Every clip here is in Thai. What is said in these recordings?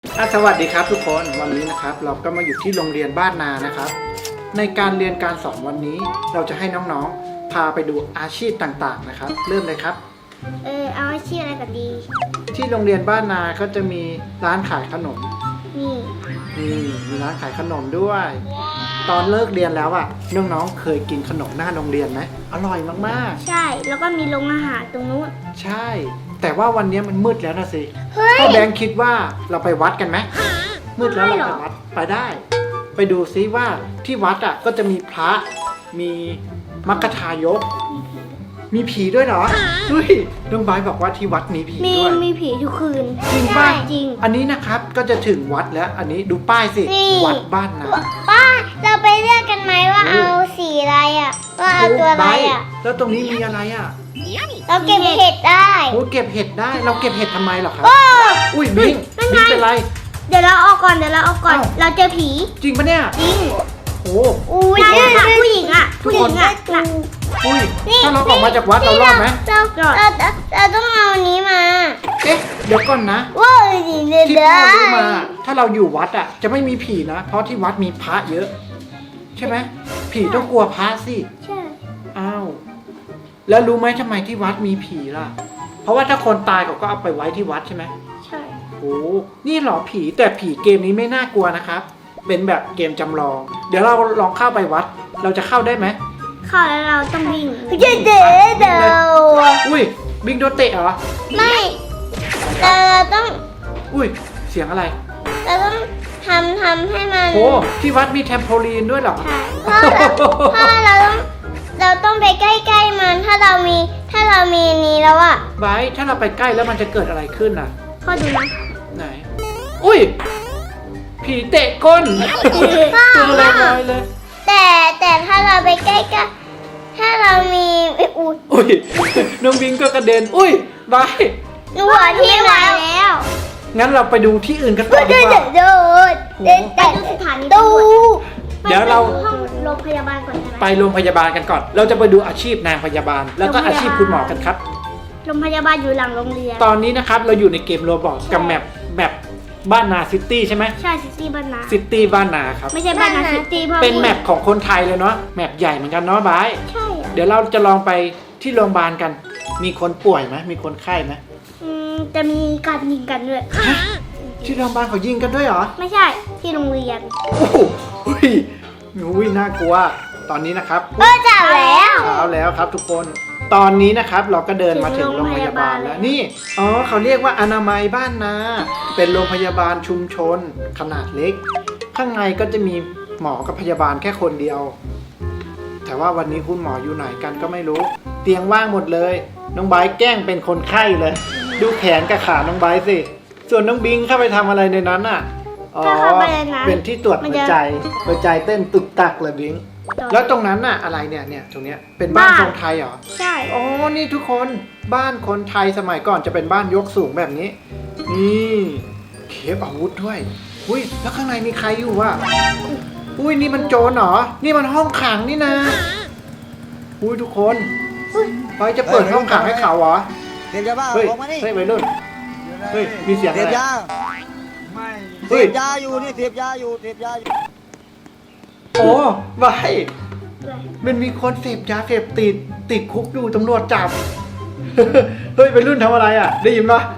สวัสดีครับทุกคนวันนี้นะครับเราก็มาอยู่ที่โรงเรียนบ้านนานะครับในการเรียนการสอนวันนี้เราจะให้น้องๆพาไปดูอาชีพต่างๆนะครับเริ่มเลยครับเอาอาชีพอะไรกันดีที่โรงเรียนบ้านนาก็จะมีร้านขายขนมนี่มีร้านขายขนมด้วยตอนเลิกเรียนแล้วอ่ะน้องๆเคยกินขนมหน้าโรงเรียนไหมอร่อยมากๆใช่แล้วก็มีโรงอาหารตรงนู้นใช่แต่ว่าวันนี้มันมืดแล้วนะสิพ่อแบงค์คิดว่าเราไปวัดกันไหมมืดแล้วเราไปวัดไปได้ไปดูซิว่าที่วัดอ่ะก็จะมีพระมีมัคคทายกมีผีด้วยเหรอเฮ้ยน้องบายบอกว่าที่วัดมีผีด้วยมีผีทุกคืนจริงป่ะจริงอันนี้นะครับก็จะถึงวัดแล้วอันนี้ดูป้ายสิวัดบ้านนาป้าเราไปเลือกกันไหมว่าเอาสีอะไรอ่ะว่าเอาตัวอะไรอ่ะแล้วตรงนี้มีอะไรอ่ะเราเก็บเห็ดได้โอ้เก็บเห็ดได้เราเก็บเห็ดทำไมหรอครับอุ้ยบิ้งเป็นไรเดี๋ยวเราออกก่อนเราเจอผีจริงปะเนี่ยจริงโอ้ผู้หญิงอ่ะผู้หญิงอ่ะอุ้ยถ้าเราออกมาจากวัดเรารอดไหมเราต้องเอาอันนี้มาเอ๊ะเดี๋ยวก่อนนะที่พ่อรู้มาถ้าเราอยู่วัดอ่ะจะไม่มีผีนะเพราะที่วัดมีพระเยอะใช่ไหมผีต้องกลัวพระสิใช่อ้าวแล้วรู้ไหมทำไมที่วัดมีผีล่ะเพราะว่าถ้าคนตายเขาก็เอาไปไว้ที่วัดใช่ไหมใช่โอ้นี่หรอผีแต่ผีเกมนี้ไม่น่ากลัวนะครับเป็นแบบเกมจำลองเดี๋ยวเราลองเข้าไปวัดเราจะเข้าได้ไหมเข้าแล้วเราต้องวิ่งเดี๋ยวอุ้ยวิ่งโดนเตะเหรอไม่เราต้องอุ้ยเสียงอะไรเราต้องทำให้มันโอ้ที่วัดมีแทมโพลีนด้วยเหรอใช่เพราะเราต้องไปใกล้ๆมันถ้าเรามีนี้แล้วอะไบถ้าเราไปใกล้แล้วมันจะเกิดอะไรขึ้นอ่ะพ่อดูนะไหนอุ้ยผีเตะก้นตัวลอยเลยแต่ถ้าเราไปใกล้กันถ้าเรามีอุ้ยน้องบิงก็กระเด็นอุ้ยไบหัวที่มาแล้วงั้นเราไปดูที่อื่นกันต่อดีกว่าแต่สถานีตู้เดี๋ยวเราห้องโรงพยาบาลก่อนใช่ไหมไปโรงพยาบาลกันก่อนเราจะไปดูอาชีพนางพยาบาลแล้วก็อาชีพคุณหมอกันครับโรงพยาบาลอยู่หลังโรงเรียนตอนนี้นะครับเราอยู่ในเกมโรบอทกับแมปบ้านนาซิตี้ใช่ไหมใช่ซิตี้บ้านนาครับไม่ใช่บ้านนาซิตี้เพราะเป็นแมปของคนไทยเลยเนาะแมปใหญ่เหมือนกันเนาะบายใช่เดี๋ยวเราจะลองไปที่โรงพยาบาลกันมีคนป่วยไหมมีคนไข้ไหมจะมีการยิงกันด้วยที่โรงพยาบาลเขายิงกันด้วยเหรอไม่ใช่ที่โรงเรียนโอ้โหน่ากลัวตอนนี้นะครับเช้าแล้วครับทุกคนตอนนี้นะครับเราก็เดินมาถึงโรงพยาบาลแล้วนี่เขาเรียกว่าอนามัยบ้านนาเป็นโรงพยาบาลชุมชนขนาดเล็กข้างในก็จะมีหมอกับพยาบาลแค่คนเดียวแต่ว่าวันนี้คุณหมออยู่ไหนกันก็ไม่รู้เตียงว่างหมดเลยน้องไบร์ทแกล้งเป็นคนไข้เลยดูแขนกับขาน้องไบร์ทสิส่วนน้องบิงเข้าไปทำอะไรในนั้นอ่ะเป็นที่ตรวจหัวใจเต้นตึกตักเลยบิงแล้วตรงนั้นน่ะอะไรเนี่ยตรงเนี้ยเป็นบ้านทรงไทยเหรอใช่อ๋อนี่ทุกคนบ้านคนไทยสมัยก่อนจะเป็นบ้านยกสูงแบบนี้นี่เก็บอาวุธด้วยอุ้ยแล้วข้างในมีใครอยู่วะอุ้ยนี่มันโจรเหรอนี่มันห้องขังนี่นะอุ้ยทุกคนไปจะเปิดห้องขังให้เขาเหรอเสพยาบ้าออกมานี่เฮ้ยวัยรุ่นเฮ้ยมีเสียงอะไรเสพยาไม่เสพยาอยู่นี่เสพยาอยู่โอ้ไว้มันมีคนเสพยาเสพติดคุกอยู่ตำรวจจับเฮ้ยวัยรุ่นทำอะไรอ่ะได้ยินปะ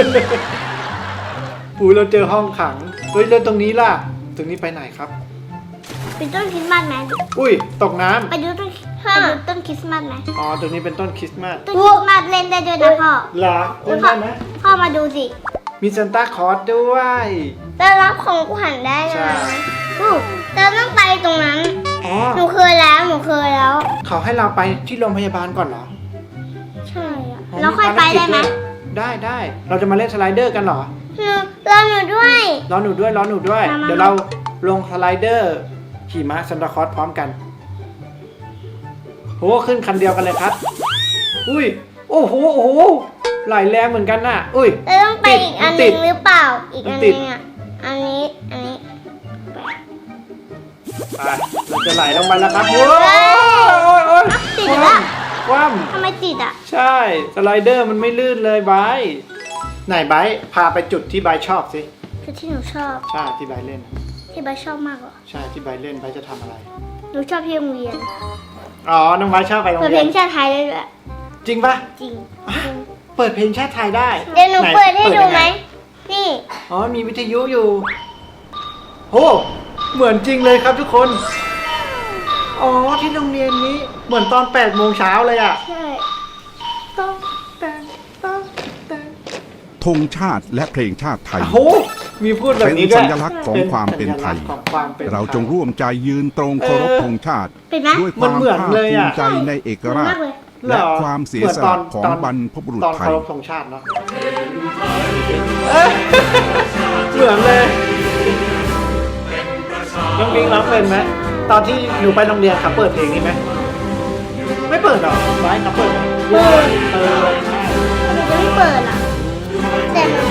ปู่เราเจอห้องขังเฮ้ยแล้วตรงนี้ล่ะตรงนี้ไปไหนครับเป็นต้นคริสต์มาสไหมอุ้ยตกน้ำไปดูต้นคริสต์มาสไหมอ๋อตรงนี้เป็นต้นคริสต์มาสต้นคริสต์มาสเล่นได้ด้วยนะพ่อเหรอเล่นได้ไหมพ่อมาดูสิมีซานต้าคลอสด้วยจะรับของขวัญได้นะเราต้องไปตรงนั้นหนูเคยแล้วเขาให้เราไปที่โรงพยาบาลก่อนเหรอใช่แล้วค่อยไปได้ไหมได้เราจะมาเล่นสไลเดอร์กันเหรอรอหนูด้วยเดี๋ยวเราลงสไลเดอร์ขี่ม้าซานต้าคลอสพร้อมกันโหขึ้นคันเดียวกันเลยครับอุ้ยโอ้โหไหลแรงเหมือนกันน่ะอุ้ยเราต้องไปอีกอันนึงหรือเปล่าอีกอันนึงอ่ะอันนี้ไปเราจะไหลลงไปแล้วครับโอ้ยติดแล้วคว่ำทำไมติดอ่ะใช่สไลเดอร์มันไม่ลื่นเลยไบร์ทไหนไบร์ทพาไปจุดที่ไบร์ทชอบสิชุดที่หนูชอบใช่ที่ใบเล่นที่ใบชอบมากเหรอใช่ที่ใบเล่นใบจะทำอะไรหนูชอบที่โรงเรียนอ๋อน้องใบชอบไปโรงเปิดเรีเพยลนงชาติไทยได้ด้วยจริงปะจริงเปิดเพลงชาติไทยได้เดี๋ยวหนูเปิดให้ดูไหมนนี่อ๋อมีวิทยุอยู่โอ้เหมือนจริงเลยครับทุกคนอ๋อที่โรงเรียนนี้เหมือนตอน8 โมงเช้าเลยอ่ะใช่ต้องแต่งต้องแต่งธงชาติและเพลงชาติไทยโอ้โหมีพูดแบบเป็นนี้ด้วสัยญลักษณ์ของความเป็นไทยสัญลักษณ์ของความเป็นไทยเราจงร่วมใจยืนตรงเคารพธงชาติเป็นไหมด้วยความมันเหมือนภาคเลยภูอะมิใจในเอกราชมากเลยและเหรอความเสียสละของบรรพบุรุษตอนไทเคาย รพธงชาติเนาะเหมือนเลยน้องบิงร้องเป็นไหมตอนที่หนูไปโรงเรียนเขาเปิดเพลงนี้ไหมไม่เปิดหรอไว้เขาเปิดเปิดใช่หนูจะไม่เปิดอ่ะ แต่หนู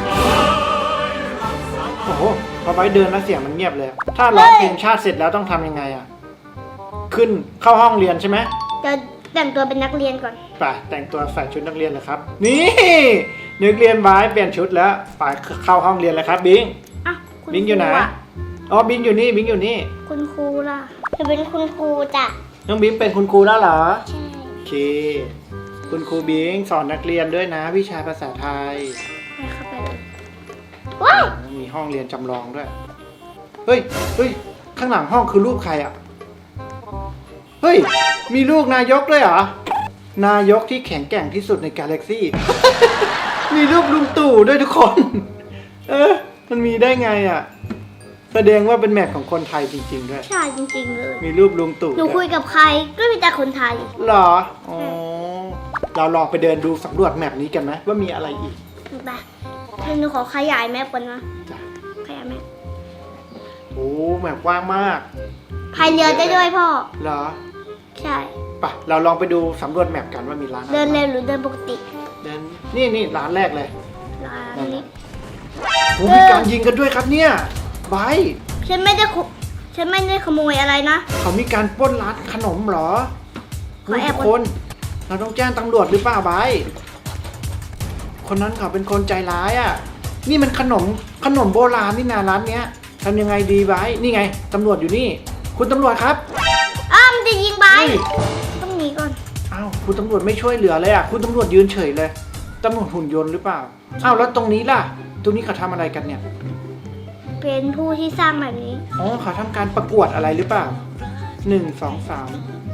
โอ้โหพอไว้เดินแล้วเสียงมันเงียบเลย ถ้าร้องเพลงชาติเสร็จแล้วต้องทำยังไงอ่ะขึ้นเข้าห้องเรียนใช่ไหมจะแต่งตัวเป็นนักเรียนก่อนไปแต่งตัวใส่ชุดนักเรียนเลยครับ นี่นักเรียนไว้เปลี่ยนชุดแล้วไปเข้าห้องเรียนเลยครับบิงอ่ะคุณบิงอยู่ไหนครูะอ๋อบิงอยู่นี่บิงอยู่นี่คุณครูล่ะจะเป็นคุณครูจ้ะน้องบิงเป็นคุณครูแล้วเหรอใช่โอเค คุณครูบิงสอนนักเรียนด้วยนะ วิชาภาษาไทยไปเข้าไปเลยว้าวมีห้องเรียนจำลองด้วย เฮ้ยเฮ้ยข้างหลังห้องคือรูปใครอ่ะ เฮ้ย มีลูกนายกด้วยเหรอ นายกที่แข็งแกร่งที่สุดในกาแล็กซี่ มีรูปลุงตู่ด้วยทุกคน มันมีได้ไงอ่ะ แสดงว่าเป็นแมทของคนไทยจริง ๆ ด้วยใช่จริงๆเลยมีรูปลุงตู่หนูด้คุวยยกับใครก็มีแต่คนไทยเหรอ อ๋อ เราลองไปเดินดูสำรวจแมปนี้กันไหมว่ามีอะไรอีกไปหนูขอขยายแมปก่อนนะจ้ะขยายแมปโอ้แมปกว้างมากพายเรือได้ด้วยพ่อเหรอใช่ไปเราลองไปดูสำรวจแมปกันว่ามีร้านอะไรเดินเร็วหรือเดินปกติเดินนี่ร้านแรกเลยร้านนี้โอ้มีการยิงกันด้วยครับเนี่ยไบร์ทฉันไม่ได้ขโมยอะไรนะเขามีการปล้นร้านขนมเหรอขอแอบทุกคน เราต้องแจ้งตำรวจหรือเปล่าไบร์ทคนนั้นเขาเป็นคนใจร้ายอ่ะ นี่มันขนมโบราณนี่นาร้านเนี้ยทำยังไงดีไบร์ทนี่ไงตำรวจอยู่นี่ คุณตำรวจครับอ้าวมันจะยิงไปเฮ้ยต้องหนีก่อนอ้าวคุณตำรวจไม่ช่วยเหลือเลยอ่ะคุณตำรวจยืนเฉยเลยตำรวจหุ่นยนต์หรือเปล่าอ้าวแล้วตรงนี้ล่ะ ตรงนี้เขาทำอะไรกันเนี่ยเป็นผู้ที่สร้างแบบนี้อ๋อเขาทำการประกวดอะไรหรือเปล่า1 2 3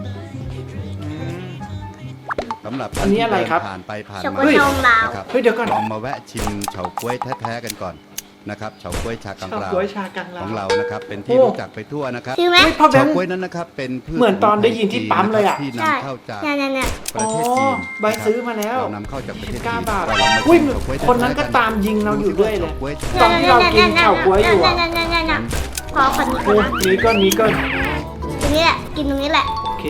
สำหรับอันนี้อะไรครับผ่านไปผ่านช็อกโกมาแลตทองลาวนะครับเฮ้ยเดี๋ยวก่อนลองมาแวะชิมเฉาก๊วยแท้ๆกันก่อนนะครับเฉาก๊วยชากังชาวราวกล้วยชากังลาขวองเรานะครับเป็นที่โอ้รู้จักไปทั่วนะครับซื้อไหมเฮ้ยพ่อแบเฉางค์ก๊วยนั้นนะครับเป็นพืชเหมือนตอนได้ยินที่ปั๊มเลยอะที่ใช่นำเข้าจากเนี่ยประเทศจีนใบซื้อมาแล้วเรานำเข้าจากประเทศจีน 19 บาทเราลองมาอุ้ยชิมเฉาก๊วยคนนั้นก็แท้ๆตามยิงเราอยู่ด้วยเลยฉาก๊วยตอนที่เรากินเฉาก๊วยอยู่อะเนี่ยขอคนนี้ก่โอ้อนนะนี้ก็ตรงนี้แหละกินตรงนี้แหละโอเค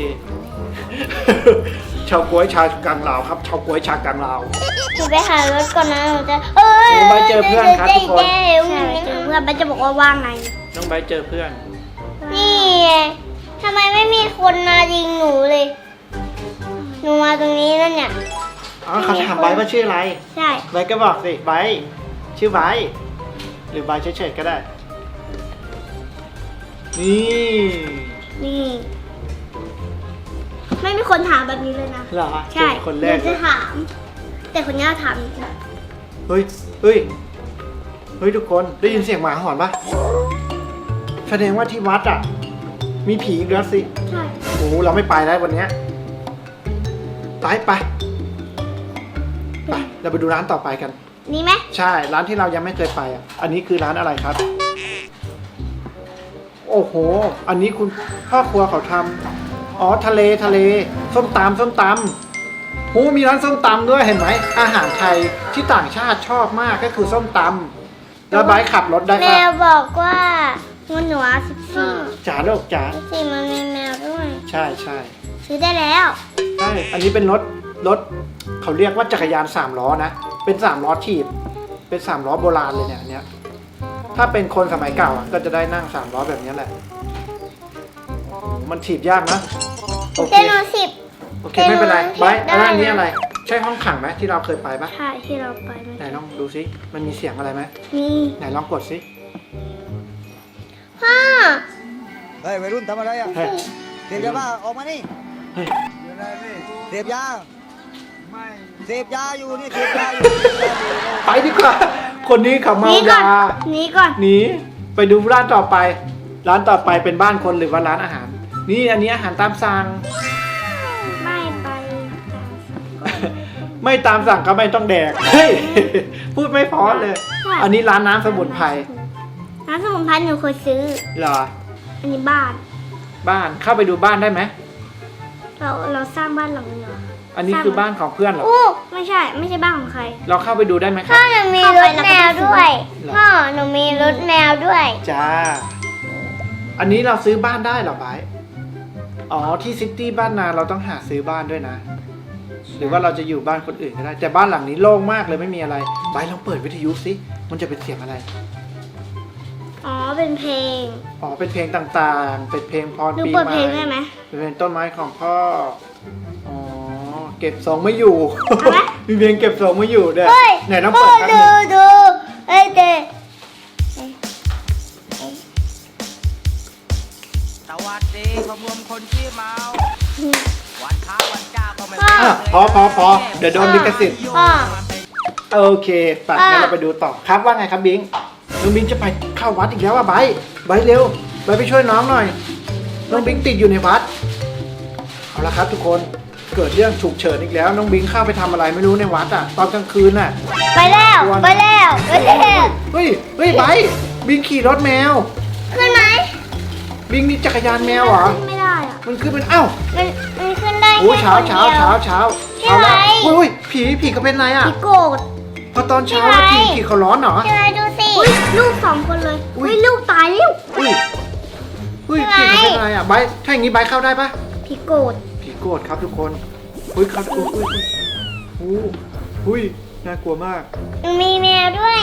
เฉาก๊วยชากังลาวครับเฉาก๊วยชากังลาวหนูไปหารถก่อนนะหนูจะหนูไปเจอเพื่อนครับทุกคนใช่ไปเจอเพื่อนมันจะบอกว่าว่างไงน้องใบเจอเพื่อนนี่ไงทำไมไม่มีคนมายิงหนูเลย หนูมาตรงนี้แล้วเนี่ยอ๋อเขาถามใบว่าชื่ออะไรใช่ใบก็บอกสิใบชื่อใบหรือใบเฉยๆก็ได้ นี่นี่ ไม่มีคนถามแบบนี้เลยนะเหรอใช่เจอคนแรกหเลจะยถาม แต่คนนี้ถามจริงเฮ้ยเฮ้ยเฮ้ยทุกคนได้ยินเสียงหมาหอนปะแสดงว่าที่วัดอ่ะ มีผีอีกแล้วสิใช่โอ้โหเราไม่ไปแล้ววันเนี้ยไปเราไปดูร้านต่อไปกันนี่ไหมใช่ร้านที่เรายังไม่เคยไปอ่ะ อันนี้คือร้านอะไรครับ โอ้โห อันนี้คุณพ่อครัวเขาทำอ๋อทะเลส้มตำโหมีร้านส้มตำด้วยเห็นไหมอาหารไทยที่ต่างชาติชอบมากก็คือส้มตำแล้วไบค์ขับรถได้แมปะวบอกว่ามันหนู14 จ๋าลูกจ๋า 14มันมีแมวด้วยใช่ซื้อได้แล้วใช่อันนี้เป็นรถเขาเรียกว่าจักรยาน3 ล้อนะเป็น3 ล้อถีบเป็น3 ล้อโบราณเลยเนี่ยอันเนี้ยถ้าเป็นคนสมัยเก่าอ่ะก็จะได้นั่ง3 ล้อแบบนี้แหละ มันถีบยากนะโอเคแต่หนู10 โอเคไม่เป็นไรไบค์อันนี้อะไรใช่ห้องขังไหมที่เราเคยไปปะใช่ที่เราไปเมื่อไหนกี้ลองดูซิมันมีเสียงอะไรไหมมีไหนลองกดซิพ่อเฮ้ยวัยรุ่นทำอะไรอ่ะเฮ้ยเสพยาบ้าออกมานี่เฮ้ยเสพยาเสพยาอยู่นี่เสพยาอยู่ไปดีกว่าคนนี้เขาหเมานีก่อยานหนีก่อนหนีไปดูร้านต่อไป ร้านต่อไปเป็นบ้านคนหรือว่าร้านอาหาร นี่อันนี้อาหารตามสั่งไม่ไปไม่ตามสั่งก็ไม่ต้องแดก เฮ้ย พูดไม่เพอเลย อันนี้ร้านน้ำสมุนไพรน้ำสมุนไพรหนูเคยซื้อเหรออันนี้บ้านบ้านเข้าไปดูบ้านได้ไหมเราสร้างบ้านหลังนี้เหรออันนี้คือบ้านของเพื่อนเหรออู้ไม่ใช่บ้านของใครเราเข้าไปดูได้ไหมคพ่รัอบ หนูมีรถแมวด้วยเหรอพ่อหนูมีรถแมวด้วยจ้า อันนี้เราซื้อบ้านได้เหรอไบร์ทอ๋อที่ซิตี้บ้านนาเราต้องหาซื้อบ้านด้วยนะ หรือว่าเราจะอยู่บ้านคนอื่นก็ได้ แต่บ้านหลังนี้โล่งมากเลยไม่มีอะไรไบร์ทลองเปิดวิทยุสิมันจะเป็นเสียงอะไรอ๋อเป็นเพลงอ๋อเป็นเพลงต่างๆ เป็นเพลงพรหนูปีเปิดใหม่เพลงได้ไหมเป็นเพลงต้นไม้ของพ่อ อ๋อ เก็บทรงไม่อยู่เอาไหมมีเพลงเก็บทรงไม่อยู่เด้อเฮ้ยไหนต้องเปิดแป๊บนึงดูเอ้ยเด็กสวัสดีขบวนคนที่เมา วันพระวันเจ้าก็ไม่อ่ะพอเดี๋ยวโดนลิขสิทธิ์พ่อโอเคไปงั้นเราไปดูต่อครับว่าไงครับบิงน้องบิงจะไปเข้าวัดอีกแล้วว่ะไบร์ทเร็วไบร์ทไปช่วยน้องหน่อย น้องบิงติดอยู่ในวัด เอาละครับทุกคน เกิดเรื่องฉุกเฉินอีกแล้ว น้องบิงเข้าไปทำอะไรไม่รู้ในวัดอ่ะ ตอนกลางคืนน่ะไปแล้วไปแล้วไปแล้วเฮ้ยไบร์ทบิงขี่รถแมวขึ้นไหมบิงมีจักรยานแมวเหรอขึ้นไม่ได้อะมันขึ้นเป็นอ้าวมันขึ้นได้โอ้แค่เช้าคนเช้าเดียวเช้าเช้าพี่เอาละไบร์ทอุ้ยผีก็เป็นไรอ่ะพี่โกรธพอตอนเช้าพี่ไบร์ทผีเขาร้อนเหรอพี่ไบร์ทดูสิลูก2 คนเลยอุ๊ยลูกตายแล้วอุ้ยพี่ผีไบร์ทเขาเป็นไรอ่ะไบร์ทถ้าอย่างนี้ไบร์ทเข้าได้ปะพี่โกรธผีโกรธครับทุกคนอุ้ยครับอุ้ยน่ากลัวมากมีแมวด้วย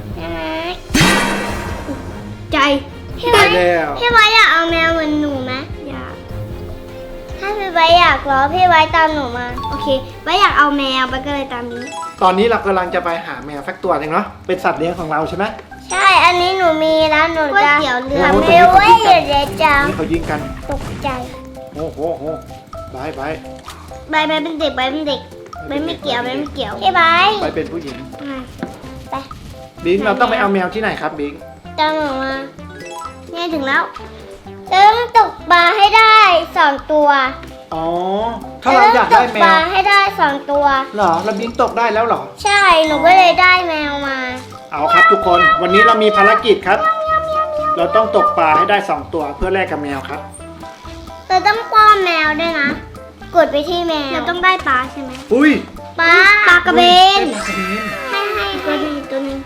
ใจพี่ไบได้ร์ทแล้วพี่ไบร์ทอยากเอาแมวเหมือนหนูไหมอยากถ้าพี่ไบร์ทอยากเหรอพี่ไบร์ทตามหนูมาโอเคไบร์ทอยากเอาแมวไบร์ทก็เลยตามนี้ตอนนี้เรากำลังจะไปหาแมวสักตัวหนึงเนาะเป็นสัตว์เลี้ยงของเราใช่ไหมใช่ อันนี้หนูมีแล้วหนูจะก๋วยเตี๋ยวเรือโอ้โหไม่ไว้เดี๋ยวจะนี่เขายิงกันตกใจโอ้โหไบร์ทใบเป็นเด็กใบเป็นเด็กใบไม่เกี่ยวใบไม่เกี่ยวพี่ใบไบร์ทเป็นผู้หญิงไปบิงเราต้องไปเอาแมวที่ไหนครับบิงตามหนูมาเนี่ยถึงแล้วเราต้องตกปลาให้ได้2 ตัวอ๋อถ้าเราอยากได้ตกแมปลาว ให้ได้2 ตัวเหรอแล้วบิงตกได้แล้วเหรอใช่หนูก็เลยได้แมวมาเอาครับทุกคนวันนี้เรามีภารกิจครับ เราต้องตกปลาให้ได้2 ตัวเพื่อแลกกับแมวครับเราต้องป้อนแมวด้วยนะ กดไปที่แมวเราต้องได้ปลาใช่ไหมอุ้ยปลากระเบนปลากระเบนให้ตัวหนึงตัวหนึง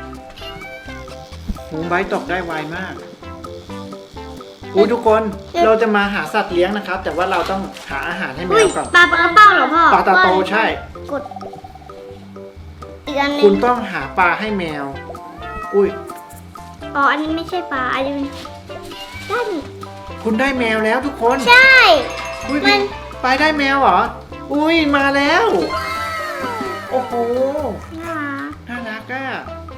หมูไบร์ทตกได้ไวมากอุ้ยทุกคนเราจะมาหาสัตว์เลี้ยงนะครับ แต่ว่าเราต้องหาอาหารให้แมอุ้ยวก่อนปลากระเป้าเหรอพ่อปลาตาโตใช่กดอีกอันหนึคุณงต้องหาปลาให้แมว อุ้ยอ๋ออันนี้ไม่ใช่ปลาอันนี้ด้านคุณได้แมวแล้วทุกคนใช่อุ้ยมันไปได้แมวเหรอ อุ้ยมาแล้ว โอ้โหน่ารักน่ารักอ่ะ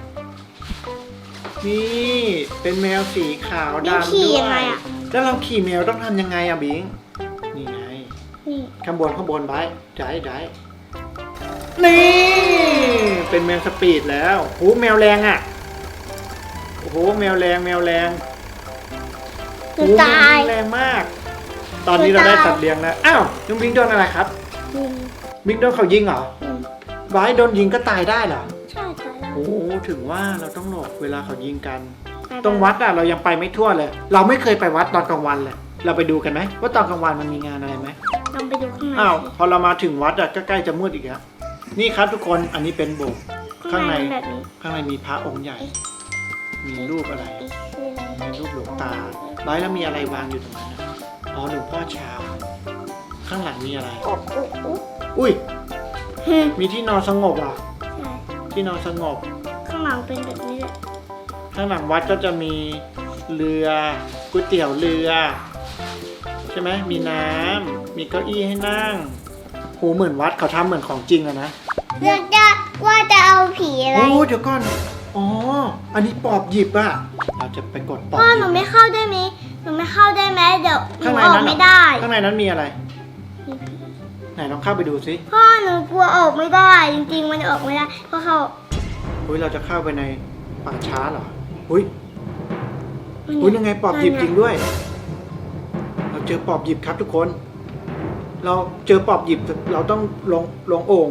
นี่เป็นแมวสีขาวบิงดำขี่ด้วยังไงยอ่ะแล้วเราขี่แมวต้องทำยังไงอ่ะบิง นี่ไงนี่ข้างบนไว้ได้นี่ เป็นแมวสปีดแล้วโอ้แมวแรงอ่ะ โอ้โหแมวแรงหนูโอ้ตายแมวแรงมาก ตอนนี้เราได้สัตว์เลี้ยงแล้ว อ้าวน้องบิงโดนอะไรครับอืมบิงโดนเขายิงเหรออืมไบร์ทโดนยิงก็ตายได้เหรอใช่ตายแล้วโอ้ถึงว่าเราต้องหลบเวลาเขายิงกัน ตรงวัดอะเรายังไปไม่ทั่วเลย เราไม่เคยไปวัดตอนกลางวันเลย เราไปดูกันไหมว่าตอนกลางวันมันมีงานอะไรไหมลองไปดูข้างในอ้าวพอเรามาถึงวัดอะก็ใกล้จะมืดอีกแล้วนี่ครับทุกคนอันนี้เป็นโบสถ์ข้างในข้างในแบบนี้ข้างในมีพระองค์ใหญ่ มีรูปอะไรคืออะไรมีรูปหลวงตาไบร์ทแล้วมีอะไรวางอยู่ตรงนั้นอะอ๋อหลวงพ่อชาข้างหลังมีอะไรโอ้โอ้โอ้อุ้ยฮึมีที่นอนสงบอ่ะใช่ที่นอนสงบข้างหลังเป็นแบบนี้แหละข้างหลังวัดก็จะมีเรือก๋วยเตี๋ยวเรือ ใช่ไหมมีน้ำมีเก้าอี้ให้นั่งโหเหมือนวัดเขาทำเหมือนของจริงอะนะเลือกจะว่าจะเอาผีอะไรโอ้เดี๋ยวก่อนอ๋ออันนี้ปอบหยิบอะเราจะไปกดปอบพ่อหยิหนูบไม่เข้าได้ไหมหนูไม่เข้าได้ไหมเดี๋ยวหนูข้างในออกนั้นเหรไม่ได้ข้างในนั้นมีอะไร ไหนลองเข้าไปดูสิพ่อหนูกลัวออกไม่ได้จริงๆมันออกไม่ได้เพราะเขาอุ้ยเราจะเข้าไปในป่าช้าเหรออุ้ยอุ้ยยังไงปอบหยิบจริงด้วย เราเจอปอบหยิบครับทุกคน เราเจอปอบหยิบเราต้องลงโอ่ง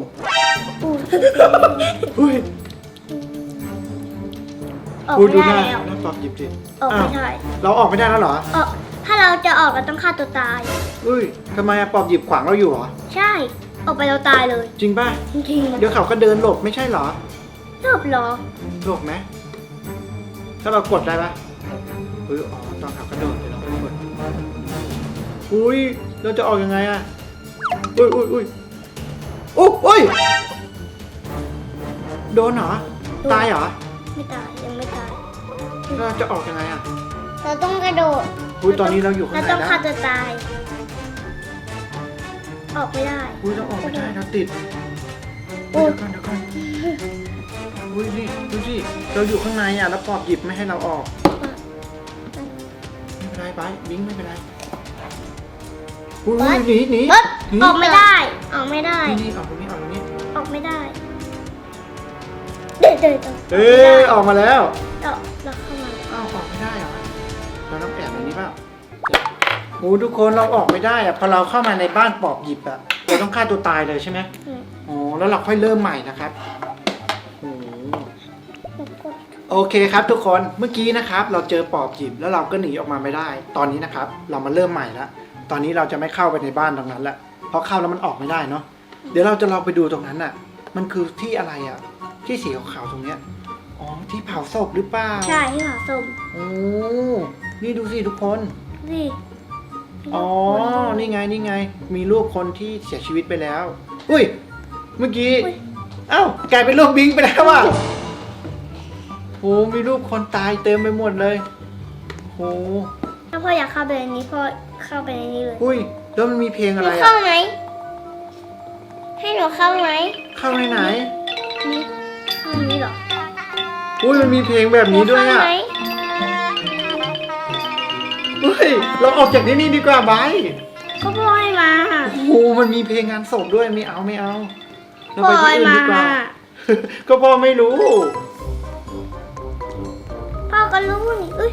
อุ้ยออกอุ้ยไม่ดูหได้น้าแล้วหน้าปอบหยิบสิออกไม่ได้เราออกไม่ได้แล้วเหรอออกถ้าเราจะออกเราต้องฆ่าตัวตายอุ้ยทำไมอะปอบหยิบขวางเราอยู่เหรอใช่ออกไปเราตายเลยจริงป่ะจริงๆเดี๋ยวเขาก็เดินหลบไม่ใช่เหรอชอบเหรอหลบไหมถ้าเรากดได้ปะอุ้ยอ๋อตอนเขากระโดดเดี๋ยวเราไปกดอุ้ยเราจะออกยังไงอะอุ้ยอุ้ยอุ้ยโดนเหรอ ตายเหรอไม่ตายยังไม่ตายเราจะออกยังไงอะเราต้องกระโดดอุ้ยตอนนี้เราอยู่ข้างเราในต้องแล้วฆ่าตัวตาย ออกไม่ได้อุ้ยเราออกไม่ได้เราติดโอ้อุ้ยเดี๋ยวก่อนอุ้ยนี่ดูสิเราอยู่ข้างในอะแล้วปอบหยิบไม่ให้เราออกไม่เป็นไรไปบิงไม่เป็นไรอุ้ยหนีหนีเบิร์ดหนีออกไม่ได้ ออกไม่ได้นี่ออกตรงนี้ออกตรงนี้ออกไม่ได้ เดินเอ้ยออกมาแล้วเราเข้ามาอ้าวออกไม่ได้เหรอเราต้องแอบในนี้เปล่าโอ้ทุกคนเราออกไม่ได้อะพอเราเข้ามาในบ้านปอบหยิบอะเราต้องฆ่าตัวตายเลยใช่ไหมอืมอ๋อแล้วเราค่อยเริ่มใหม่นะครับโอ้โอเคครับทุกคนเมื่อกี้นะครับ เราเจอปอบหยิบแล้วเราก็หนีออกมาไม่ได้ ตอนนี้นะครับ เรามาเริ่มใหม่แล้วตอนนี้เราจะไม่เข้าไปในบ้านตรงนั้นละเพราะเข้าแล้วมันออกไม่ได้เนาะเดี๋ยวเราจะลองไปดูตรงนั้นอะมันคือที่อะไรอะที่สีขาวๆตรงเนี้ยอ๋อที่เผาศพหรือเปล่าใช่ที่หาสมโอ้นี่ดูสิทุกคนนี่อ๋อ นี่ไง นี่ไง มีรูปคนที่เสียชีวิตไปแล้ว อุ้ย เมื่อกี้ เอ้ากลายเป็นรูปบิงไปแล้วอ่ะโหมีรูปคนตายเต็มไปหมดเลยโหถ้าพ่ออยากเข้าไปในนี้พ่อเข้าไปในนี้เลยอุ้ย แล้วมันมีเพลงหอะนูไรเข้าอ่ะไหมให้หนูเข้าไหมเข้าในไหนนี่เข้านี้เหรออุ้ย มันมีเพลงแบบนี้ด้วยอ่ะหเข้าไหมเฮ้ย เราออกจากที่นี่ดีกว่าไบร์ทก็พ่อให้มาโอ้โห มันมีเพลงงานศพด้วย ไม่เอา เราไปที่อื่นดีกว่า ก็พ่อไม่รู้พ่อก็รู้นี่เอ้ย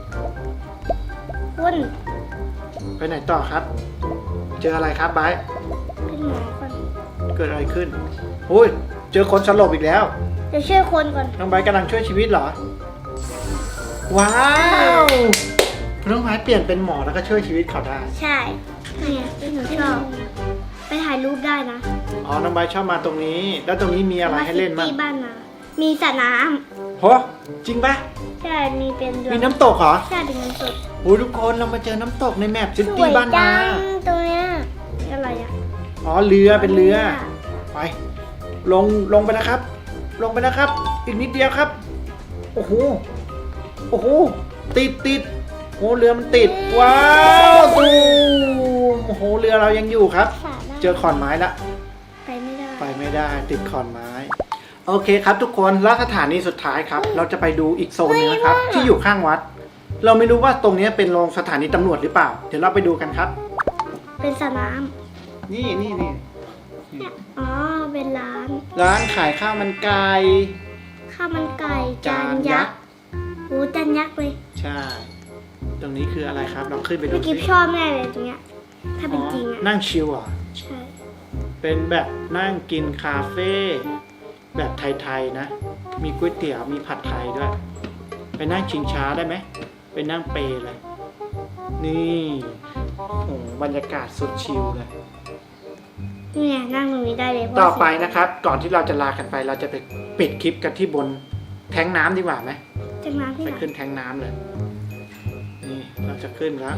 คุณไปไหนต่อครับ เจออะไรครับไบร์ทเป็นหมอก่อนเกิดอะไรขึ้นโอ้ย เจอคนสลบอีกแล้วเดี๋ยวช่วยคนก่อนน้องไบร์ทกำลังช่วยชีวิตเหรอ ว้าวน้องไบร์ทเปลี่ยนเป็นหมอแล้วก็ช่วยชีวิตเขาได้ใช่เนี่ยที่หนูชอบไปถ่ายรูปได้นะอ๋อ น้องไบร์ทชอบมาตรงนี้ แล้วตรงนี้มีอะไรให้เล่นบ้างที่บ้านนามีสระน้โหจริงปะำใช่มีเป็นเรือมีน้ำตกเหรอใช่เป็นเงินสดโอ้ยทุกคนเรามาเจอน้ำตกในแมปซิสตี้วยบ้านจันางตรงเนี้ยอะไรอะอ๋อ เรือเป็นเรือ ไป ลงไปนะครับ ลงไปนะครับ อีกนิดเดียวครับ โอ้โห โอ้โห ติดโอ้เรือมันติด ว้าวตูมโอ้โห เรือเรายังอยู่ครับสระน้ำเจอขอนไม้ละไปไม่ได้ไปไม่ได้ ติดขอนไม้ โอเคครับทุกคนแล้วสถานีสุดท้ายครับ เราจะไปดูอีกโซนหนึงนะครับ ที่อยู่ข้างวัด เราไม่รู้ว่าตรงนี้เป็นโรงสถานีตำรวจหรือเปล่า เดี๋ยวเราไปดูกันครับเป็นสระน้นี่ำเนี่ยอ๋อเป็นร้านร้านขายข้าวมันไก่ข้าวมันไก่จานยักษ์โอ้จานยักษ์เลยใช่ ตรงนี้คืออะไรครับ เราขึ้นไปดูพี่กิฟสิชอบแน่เลยตรงเนี้ยถ้าเป็นจริงอะนั่งชิลอ่ะใช่เป็นแบบนั่งกินคาเฟ่แบบไทยๆนะ มีก๋วยเตี๋ยว มีผัดไทยด้วย ไปนั่งชิงช้าได้ไหม ไปนั่งเปรเลย นี่โอ้โหบรรยากาศสุดชิลเลยเนี่ยนั่งตรงนี้ได้เลยเพราะต่อไปนะครับ ก่อนที่เราจะลากันไป เราจะไปปิดคลิปกันที่บนแท้งน้ำดีกว่าไหมจากน้ำที่ไปไหนขึ้นแท้งน้ำเลย นี่เราจะขึ้นแล้ว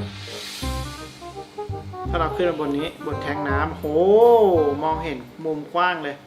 ถ้าเราขึ้นมาบนนี้บนแท้งน้ำโหมองเห็นมุมกว้างเลย